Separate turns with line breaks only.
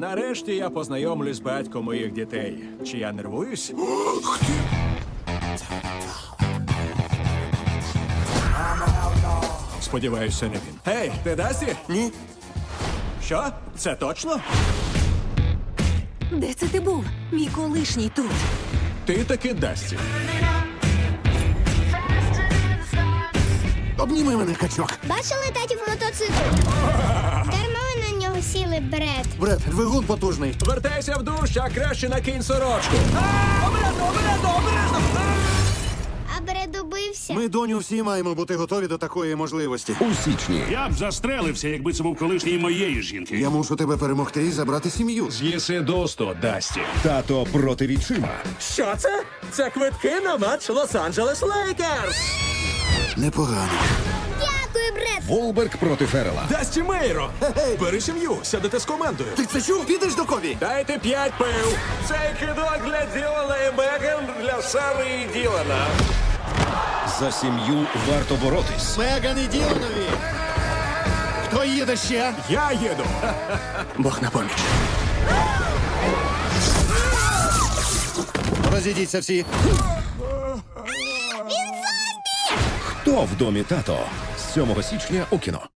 Нарешті я познайомлюсь з батьком моїх дітей. Чи я нервуюсь? Сподіваюся, не він. Гей, ти Дасті?
Ні.
Що? Це точно?
Де це ти був? Мій колишній тут.
Ти таки Дасті.
Обніми мене, качок.
Бачили татів мотоцикл? Дарма ви на нього сіли, Бред.
Бред, двигун потужний.
Вертайся в душ, а краще накинь сорочку.
А Бред убився.
Ми, доню, всі маємо бути готові до такої можливості.
У січні
Я б застрелився, якби це був колишній моєї жінки.
Я мушу тебе перемогти і забрати сім'ю.
З'їси досто, Дасті.
тато проти відчима.
Що це? Це квитки на матч Лос-Анджелес Лейкерс.
Непогано.
Дякую, Бред.
Волберг проти Феррела.
Дасті Мейро! Бери сім'ю, сядете з командою.
Ти це чув? Підеш до Кові?
Дайте 5 пив. Цей кидок для Ділана і Меган, для Сари і Ділана.
За сім'ю варто боротись.
Меган і Діланові. Хто їде ще?
Я їду.
Бог на поміч. Розійдіться всі.
Хто в домі тато? З 7 січня у кіно.